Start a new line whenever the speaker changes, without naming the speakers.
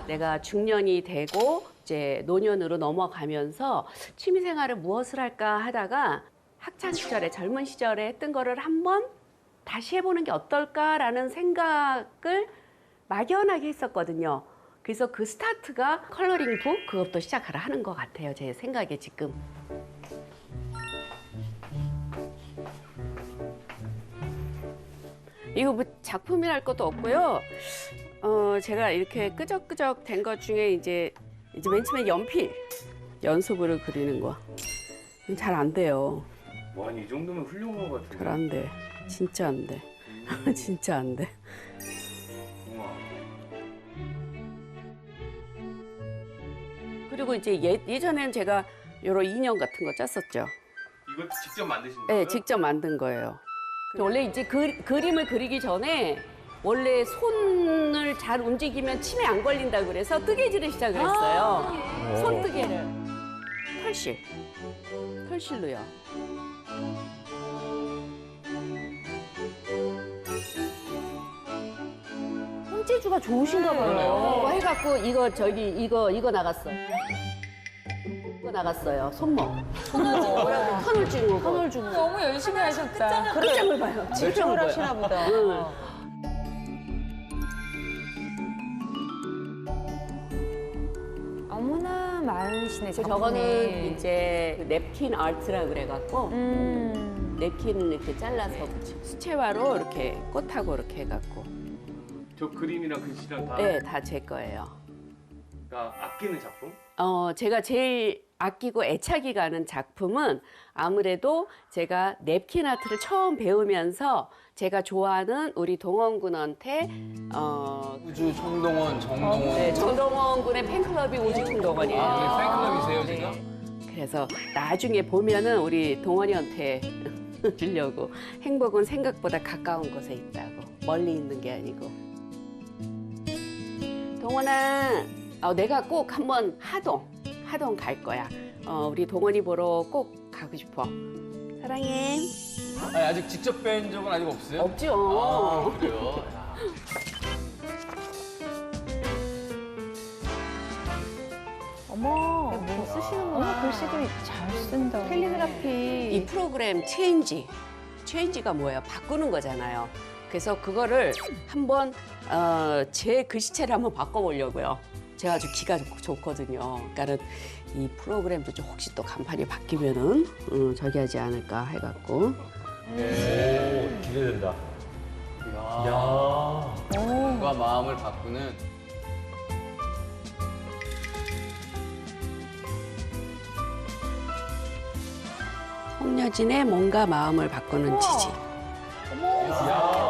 내가 중년이 되고 이제 노년으로 넘어가면서 취미생활을 무엇을 할까 하다가 학창 시절에 젊은 시절에 했던 거를 한번 다시 해보는 게 어떨까라는 생각을 막연하게 했었거든요. 그래서 그 스타트가 컬러링 북 그것도 시작하라 하는 것 같아요. 제 생각에 지금. 이거 뭐 작품이랄 것도 없고요. 제가 이렇게 끄적끄적 된 것 중에 이제 맨 처음에 연필 연속으로 그리는 거. 잘 안 돼요.
와, 이 정도면 훌륭한 것 같은데.
잘 안 돼. 진짜 안 돼. 진짜 안 돼.
우와.
그리고 이제 예전에는 제가 여러 인형 같은 거 짰었죠.
이거 직접 만드신
네,
거예요?
직접 만든 거예요. 원래 이제 그림을 그리기 전에 원래 손을 잘 움직이면 침에 안 걸린다 그래서 뜨개질을 시작을 했어요. 손뜨개를. 털실로요. 손재주가 좋으신가 봐요. 이거 해갖고 이거 나갔어. 이거 나갔어요. 손목. 터널 증후군. 터널 증후군.
너무 열심히 하셨다.
끝장을 봐요.
집중을 하시나 보다. 어머나 많으시네.
저거는 이제 냅킨 아트라 그래갖고 냅킨을 이렇게 잘라서 수채화로 이렇게 꽃하고 이렇게 해갖고
저 그림이랑 글씨랑 다
네, 다 제 거예요.
아끼는 작품?
제가 제일 아끼고 애착이 가는 작품은 아무래도 제가 냅킨 아트를 처음 배우면서 제가 좋아하는 우리 동원 군한테
우주 청동원, 정동원.
네, 정동원 군의 팬클럽이 우주 청동원이에요.
아, 팬클럽이세요, 지금?
그래서 나중에 보면은 우리 동원이한테 주려고 행복은 생각보다 가까운 곳에 있다고 멀리 있는 게 아니고 동원아 내가 꼭 한번 하동 갈 거야. 우리 동원이 보러 꼭 가고 싶어. 사랑해.
아니, 아직 직접 뵌 적은 아직 없어요?
없죠.
아, 그래요? 야.
어머, 뭐 쓰시는구나. 어머, 글씨도 잘 쓴다. 캘리그라피.
이 프로그램 체인지가 뭐예요? 바꾸는 거잖아요. 그래서 그거를 한번 제 글씨체를 한번 바꿔보려고요. 제가 아주 기가 좋거든요. 그러니까는 이 프로그램도 좀 혹시 또 간판이 바뀌면은 저기 하지 않을까 해갖고.
오, 기대된다.
야. 뭔가 마음을 바꾸는.
홍여진의 뭔가 마음을 바꾸는 지지.
야.